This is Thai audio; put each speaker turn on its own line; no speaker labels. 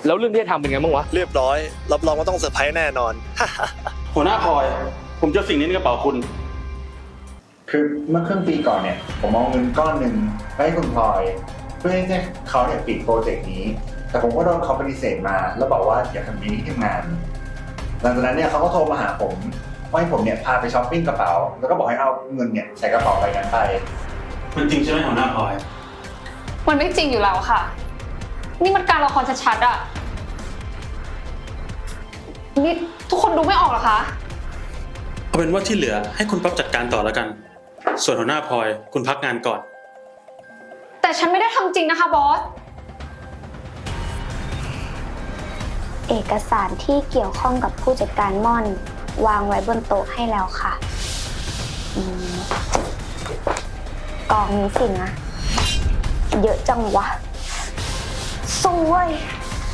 แล้วเรื่องที่ทำเป็นไงบ้างวะ
เรียบร้อยรับรองว่าต้องเซอร์ไพรส์แน่นอน
หัวหน้าพลอยผมเจอสิ่งนี้ในกระเป๋าคุณ
คือเมื่อครึ่งปีก่อนเนี่ยผมเอาเงินก้อนหนึ่งไปให้คุณพลอยเพื่อให้เขาเนี่ยปิดโปรเจกต์นี้แต่ผมก็โดนเขาปฏิเสธมาแล้วบอกว่าอย่าทำนี้ที่ทำงานหลังจากนั้นเนี่ยเขาก็โทรมาหาผมว่าให้ผมเนี่ยพาไปช้อปปิ้งกระเป๋าแล้วก็บอกให้เอาเงินเนี่ยใส่กระเป๋าใบนั้นไป
มันจริงใช่ไหมหัวหน้าพลอย
มันไม่จริงอยู่แล้วค่ะนี่มันการละครชัดๆอ่ะนี่ทุกคนดูไม่ออกเหรอคะ
เอาเป็นว่าที่เหลือให้คุณป๊อปจัดการต่อแล้วกันส่วนหัวหน้าพลอยคุณพักงานก่อน
แต่ฉันไม่ได้ทำจริงนะคะบอส
เอกสารที่เกี่ยวข้องกับผู้จัดการม่อนวางไว้บนโต๊ะให้แล้วค่ะกองนี้สินะเยอะจังวะสู้เว้ย